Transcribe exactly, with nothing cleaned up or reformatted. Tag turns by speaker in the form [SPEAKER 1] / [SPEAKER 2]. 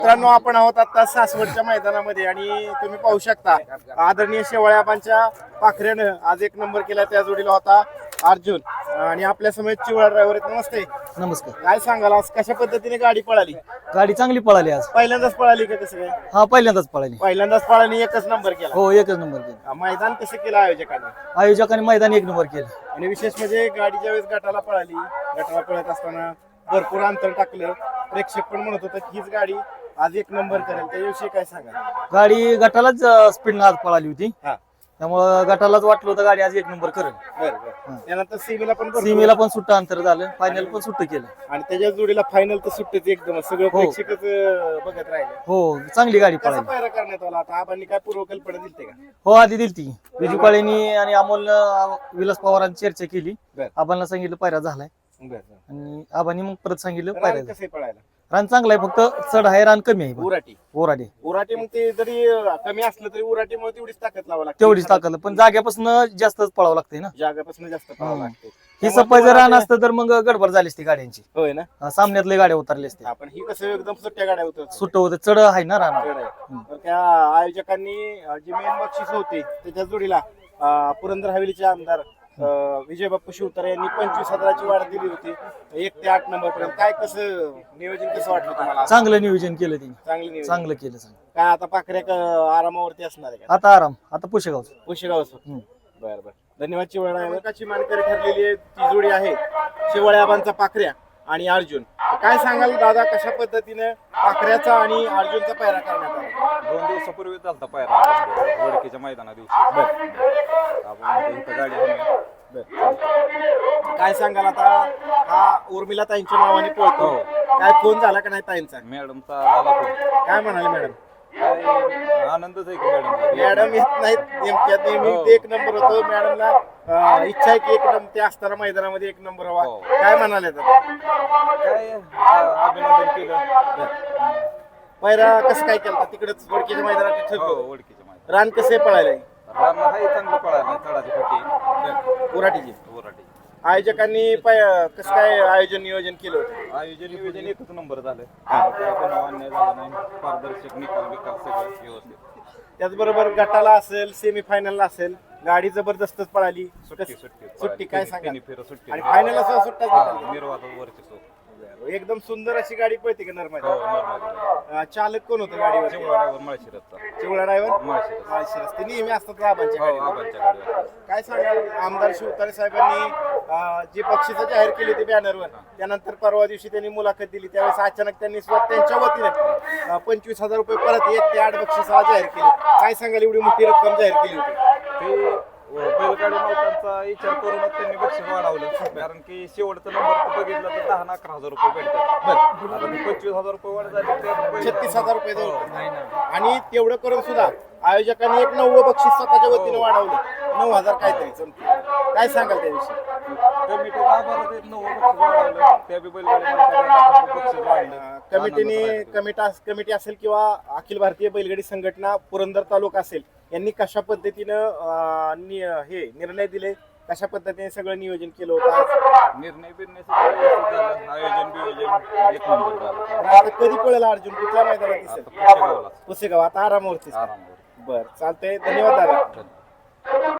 [SPEAKER 1] मित्रांनो, आपण आहोत आता सासवडच्या मैदानामध्ये आणि तुम्ही पाहू शकता आदरणीय शेवाळ्याबांच्या पाखऱ्यानं आज एक नंबर केला. त्या जोडीला होता अर्जुन आणि आपल्या समोर चिवळा ड्रायव्हर आहेत. नमस्ते.
[SPEAKER 2] नमस्कार.
[SPEAKER 1] काय सांगाल आज कशा पद्धतीने गाडी पळाली?
[SPEAKER 2] गाडी चांगली पळाली आज.
[SPEAKER 1] पहिल्यांदाच पळाली का कसं काय?
[SPEAKER 2] हा पहिल्यांदाच पळाली.
[SPEAKER 1] पहिल्यांदाच पळाली, एकच नंबर केला.
[SPEAKER 2] हो एकच नंबर केला.
[SPEAKER 1] मैदान कसं केलं आयोजकांनी?
[SPEAKER 2] आयोजकांनी मैदान एक नंबर केलं.
[SPEAKER 1] आणि विशेष म्हणजे गाडी ज्यावेळेस गटाला पळाली, गटाला पळत असताना भरपूर अंतर टाकलं. प्रेक्षक पण म्हणत होतं की हीच गाडी आज एक नंबर करेल, त्याविषयी काय सांगा?
[SPEAKER 2] गाडी गटालाच स्पीड आज पळाली होती,
[SPEAKER 1] हा
[SPEAKER 2] त्यामुळे गटालाच वाटलं होतं गाडी आज एक नंबर करेल.
[SPEAKER 1] बरं बरं. त्यानंतर सीमेला पण भरपूर-
[SPEAKER 2] सीमेला पण सुट्ट अंतर झालं, फायनल पण सुट्ट केलं.
[SPEAKER 1] आणि त्याच्या जोडीला फायनल तर सुट्टीच एकदम सगळं
[SPEAKER 2] हो.
[SPEAKER 1] प्रेक्षकच अं, बघत राहिले.
[SPEAKER 2] हो चांगली गाडी
[SPEAKER 1] कसा
[SPEAKER 2] पळाली.
[SPEAKER 1] पायरा करण्यात आला आता? आपण काय पूर्वकल्पना दिलते का?
[SPEAKER 2] हो आधी दिलती विजू काळेनी आणि अमोलनं विलास पवारांनी चर्चा केली.
[SPEAKER 1] बरं.
[SPEAKER 2] आबांना सांगितलं पायरा झालाय
[SPEAKER 1] बरं बरं.
[SPEAKER 2] आणि आबांनी मग परत सांगितलं
[SPEAKER 1] रान
[SPEAKER 2] पायरा
[SPEAKER 1] कसं पळायला?
[SPEAKER 2] रान चांगला आहे, फक्त चढ आहे, रान कमी आहे.
[SPEAKER 1] उराटी
[SPEAKER 2] ओराडे
[SPEAKER 1] उराटी मग ते जरी अं, कमी असलं तरी उराटीमुळे तेवढीच ताकद लावा लागते.
[SPEAKER 2] तेवढीच ताकद, पण जाग्यापासून जास्तच पळावं लागतंय ना.
[SPEAKER 1] जागापासून जास्त पळावं
[SPEAKER 2] हम्म.
[SPEAKER 1] लागते.
[SPEAKER 2] ही सफाई जर रान असतं तर मग गडबड झाली असती गाड्यांची.
[SPEAKER 1] होय ना.
[SPEAKER 2] अं, सामन्यातले गाड्या उतरले असते.
[SPEAKER 1] आपण ही कसं एकदम सुट्ट्या गाड्या होत
[SPEAKER 2] सुट्ट होते, चढ आहे ना रान.
[SPEAKER 1] तर त्या आयोजकांनी अं, जी मेन बक्षीस होती त्याच्या जोडीला अं, पुरंदर हवेलीचे आमदार अं, विजय बाप्पू शिवतारे यांनी पंचवीस हजाराची वाढ दिली होती एक ते आठ नंबर पर्यंत. काय कसं नियोजन कसं वाटलं तुम्हाला?
[SPEAKER 2] चांगलं नियोजन केलं त्यांनी,
[SPEAKER 1] चांगलं नियोजन.
[SPEAKER 2] चांगलं केलं चांगलं.
[SPEAKER 1] काय आता पाखऱ्या क- आरामावरती असणार आहे का?
[SPEAKER 2] आता आराम, आता पुशेगावचं.
[SPEAKER 1] पुशेगाव.
[SPEAKER 2] हम्म.
[SPEAKER 1] बरं बरं. धन्यवाद. चिवळ्याची मानकरी ठरलेली आहे ती जोडी आहे शिवळ्याबांचा पाखऱ्या आणि अर्जुन. काय सांगाल दादा, कशा पद्धतीने पाखऱ्याचा आणि अर्जुनचा पायरा करण्यात आला?
[SPEAKER 3] दोन दिवसापूर्वी चालता पायरा आपण वडकीच्या मैदाना दिवशी आपण इथं गाडी आणली.
[SPEAKER 1] काय सांगाल आता? हा उर्मिला ताईंच्या नावाने पळतो. काय फोन झाला का नाही ताईंचा?
[SPEAKER 3] मॅडमचा झाला फोन.
[SPEAKER 1] काय म्हणाले मॅडम?
[SPEAKER 3] काय आनंदच आहे की मॅडम.
[SPEAKER 1] मॅडम येत नाहीत नेमक्या, नेहमी ते एक नंबर होतो. मॅडमला अं, इच्छा आहे की एक नंबर ते असताना मैदानामध्ये एक नंबर व्हावा.
[SPEAKER 3] हो.
[SPEAKER 1] काय म्हणाले आता?
[SPEAKER 3] काय आ- अभिनंदन केलं.
[SPEAKER 1] पायरा कसं काय केलं तिकडच वडकीच्या मैदानात
[SPEAKER 3] हो
[SPEAKER 1] ठरलं?
[SPEAKER 3] वडकीच्या मैदान
[SPEAKER 1] रान कसे पळायला?
[SPEAKER 3] रान आहे चांगलं पळायला. तळाची फटी
[SPEAKER 1] उराटीची.
[SPEAKER 3] ओराटी
[SPEAKER 1] आयोजकांनी पाय- कसं काय आयोजन नियोजन केलं होतं?
[SPEAKER 3] आयोजन नियोजन एकच नंबर झालं. काय कोणावर अन्याय झाला नाही. पारदर्शक निकाल बिकाल सगळं व्यवस्थित.
[SPEAKER 1] त्याचबरोबर गटाला असेल, सेमी फायनलला असेल, गाडी जबरदस्तच पळाली.
[SPEAKER 3] सुट्टी सुट्टी
[SPEAKER 1] सुट्टी काय सांगा?
[SPEAKER 3] तिन्ही फेरं सुट्टी.
[SPEAKER 1] आणि फायनल असं सुट्टा
[SPEAKER 3] हा, निर्वातात वरची सो.
[SPEAKER 1] एकदम सुंदर अशी गाडी पळते का नर्मदा?
[SPEAKER 3] हो नॉर्मल.
[SPEAKER 1] अं, चालक कोण होतं गाडीवर?
[SPEAKER 3] चिवळाड्यावर माळशिरसचा.
[SPEAKER 1] चिवळा ड्रायव्हर
[SPEAKER 3] माळशिरस.
[SPEAKER 1] माळशिरस. ते नेहमी असतात आबांच्या
[SPEAKER 3] हो
[SPEAKER 1] गाडीवर.
[SPEAKER 3] आबांच्या गाडीवर.
[SPEAKER 1] काय सांगाल? आमदार शिवतारे साहेबांनी अं, जी बक्षिसं जाहीर केली होती बॅनरवर, त्यानंतर परवा दिवशी त्यांनी मुलाखत दिली. त्यावेळेस अचानक त्यांनी स्वतः त्यांच्या वतीने अं, पंचवीस हजार रुपये परत एक ते आठ बक्षिसाला जाहीर केले. काय सांगाल? एवढी मोठी रक्कम जाहीर केली होती.
[SPEAKER 3] ते बैलगाडी मालकांचा विचार करूनच त्यांनी बक्षीस वाढवलं. कारण की शेवटचा नंबर तर बघितला तर दहा ना अकरा हजार रुपये भेटतात. आता ते पंचवीस हजार रुपये वाढ झाली ते
[SPEAKER 1] छत्तीस हजार रुपये
[SPEAKER 3] हो,
[SPEAKER 1] जवळ.
[SPEAKER 3] नाही ना.
[SPEAKER 1] आणि तेवढं करून सुद्धा आयोजकांनी एक नव्वद बक्षीस स्वतःच्या वतीने वाढवलं. नऊ हजार काहीतरी जमते. काय सांगाल त्याविषयी?
[SPEAKER 3] कमिटीला आभार देत नऊ बक्षीस वाढवलं. त्या बी बैलगाडी मालकांना बक्षीस वाढलं.
[SPEAKER 1] अं, कमिटीने कमिटा कमिटी असेल किंवा अखिल भारतीय बैलगाडी संघटना पुरंदर तालुका असेल, यांनी कशा पद्धतीनं अं, नि- हे निर्णय दिले, कशा पद्धतीने सगळं नियोजन केलं होतं आज?
[SPEAKER 3] निर्णय बिर्णय सगळं व्यवस्थित झालं. आयोजन बियोजन एक नंबर झालं.
[SPEAKER 1] आता कधी पळेल अर्जुन? कुठल्या मैदानात दिसेल?
[SPEAKER 3] आता पुशेगावला
[SPEAKER 1] पुसेगाव. आता आरामावरतीच.
[SPEAKER 3] आराम.
[SPEAKER 1] बरं, चालतंय. धन्यवाद दादा.